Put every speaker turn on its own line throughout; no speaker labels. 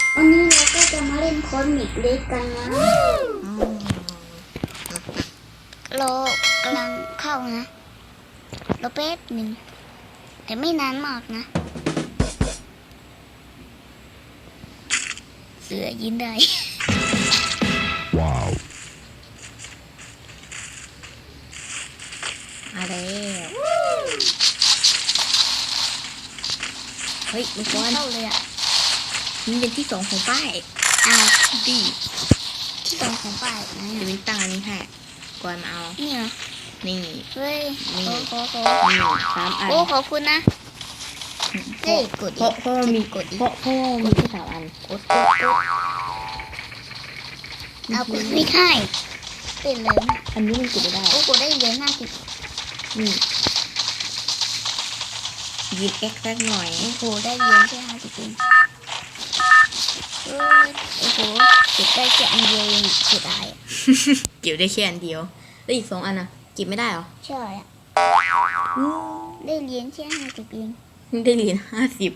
วันนี้เราก็จะมาเล่นคอมิกเล็กกันนะเรากำลังเข้านะเราแป๊บหนึ่งแต่ไม่นานมากนะเสือยินได้
ว้าว
มาแล้วเฮ้ยมันก้อนเข้าเลยอ่ะ
นี่เป็นที่สองของป้าย
อ้าว
ดี
ที่สองของป้ายนะ
เดี๋ยวเป็นตังอันนี้ให้ก่อนมาเอา
นี่เหรอ
นี่
เฮ้ย
นี่
โอ้
นี่3 อัน
โอ้ขอบคุณนะเฮ้ยกด
เพราะมี
กดอีก
เพราะมีแค่3 อัน
กดเอากดไม่ได้เป็นเลยนะ
อันนี้มันกดไม่ได้
โอ้กดได้เหรียญ50
นี่ยิบเอ็กซ์สักหน่อย
โอ้โหได้เหรียญแค่50เองโอ้โหเก็บได้แค่อันเดียวเองเสียดาย
เก็บได้แค่อันเดียวแล้วอีก2 อันน่ะเก็บไม่ได้หรอ
ใช่อ่ะได้เหรียญแค่50เอง
ได้เหรียญ50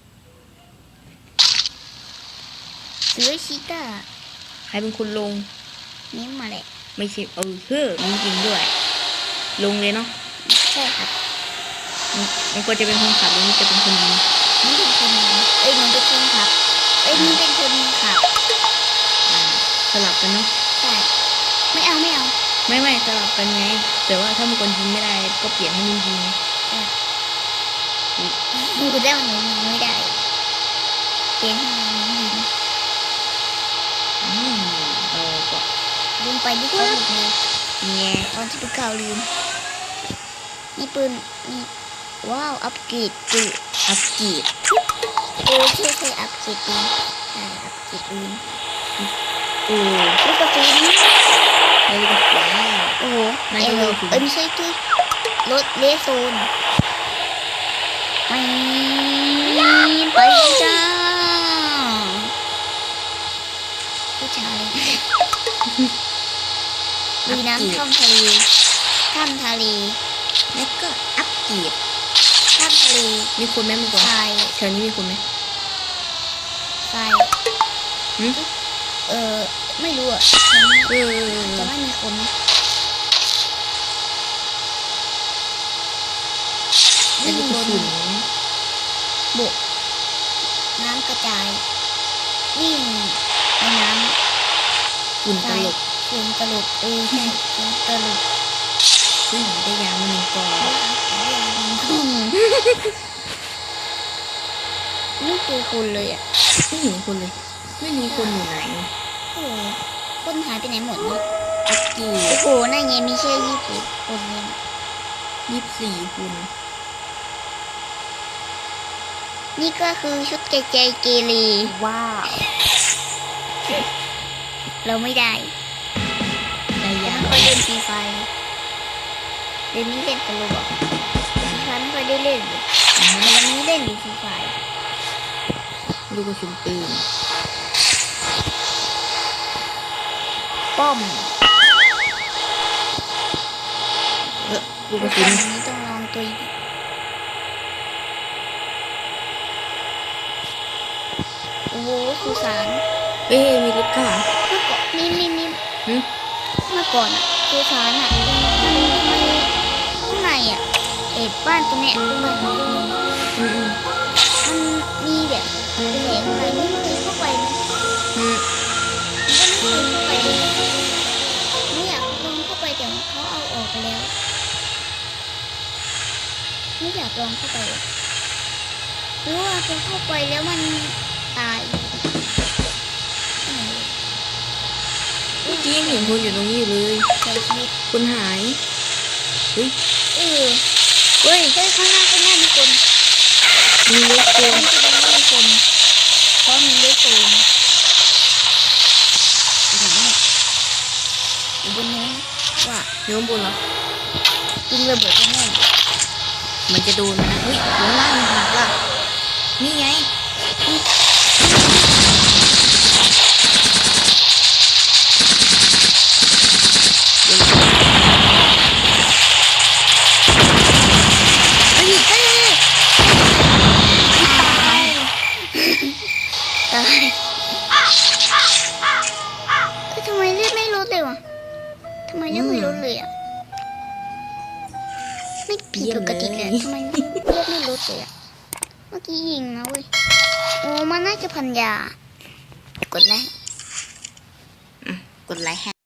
เสือชีต้า
ใครเป็นคนลง
นี่มาแหละ
ไม่ใช่มีจริงด้วยลงเลยเนาะ
ใช่ครับ
มันก็จะเป็นคนขับแล้วนี่จะเป็นคนยิง
นี่เป็นคนยิงมันเป็นคนขับนี่เป็นคนขับ
สลับกันเนาะ
ใช่ไม่เอา
ไม่สลับกันไงแต่ว่าถ้ามันคนยิงไม่ได้ก็เปลี่ยนให้มันยิง
มันก็ได้มันยิงไม่ได้เปลี่ยนให้มันยิง
ก็
ลืมไปที่เขาหมดเลยตอนที่ดูข่าวลืมนี่ปืนนี่ว้าวอัปเกรดปืน
อัปเกรด
ใช่อัปเกรดปืนอัปเกรดปืน
ลูก
กระสุน
เลยกระสุน
โอ้โหไม่ใช่ที่รถเลโซนไปจ้าผู้ชายลุยน้ำท่อมทะเล
แล้วก็อัปเกรด
ท่อมทะเล
มีคนไหมมีคน
ทราย
แถวนี้มีคนไหม
ทรายไม่รู้อ่ะจะไม่มีคน
วิ่งบน
บกน้ำกระจายวิ่งในน้ำ
ฝุ่นตลบ
ใช่ฝุ่นตลบ
ได้ยามา1 กล่อง
ไม่เจอคนเลยอ่ะ
ไม่เห็นคนเลยไม่รู้คนอยู่ไหน
คนหายไปไหนหมดเนี่ย
อัปเกรด
โอ้โหนั่นไงมีแค่20 คนเนี่ย
24 คน
นี่ก็คือชุดใจเกเร
ว้าว
เราไม่ได้
ยา
ไม่ค่อยเล่นฟรีไฟเดี๋ยวนี้เล่นตลกฉันไม่ค่อยได้เล่นเลยแต่วันนี้เล่นอยู่ฟรีไฟ
ลูกกระสุนปืน
ป้อม
ลูกกระสุน
นี้ต้องลองตัวโอ้โหสุสาน
มีรถข้างหลัง
นี่เมื่อก่อนอ่ะสุสานอ่ะมันข้างในอ่ะบ้านตรงเนี้ยมันมีแบบเป็นเหตุอะไรไม่เคยเข้าไปนะมันก็ไม่เคยเข้าไปไม่อยากลองเข้าไปแต่เขาเอาออกไปแล้วไม่อยากลองเข้าไปหรือว่าพอเข้าไปแล้วมันตาย
เมื่อกี้ยังเห็นคนอยู่ตรงนี้อยู่เลย
ใช้ชีวิต
คนหายเฮ้ย
ข้างหน้ามีคน
มีรถโกง
มีคนเพราะมีรถโกงอยู่บนนี้ว่า
โยมบนเหรอ
ยิงระเบิดแน่
มันจะโดนนะเฮ้ยหัวล่างหักล่ะนี่ไง
ตายทำไมเลือดไม่ลดเลยวะทำไมเลือดไม่ลดเลยอ่ะไม่ผิดปกติเลยทำไมเลือดไม่ลดเลยอ่ะเมื่อกี้ยิงนะเว้ยโอ้มันน่าจะพันยากดไลค์
กดไลค์ให้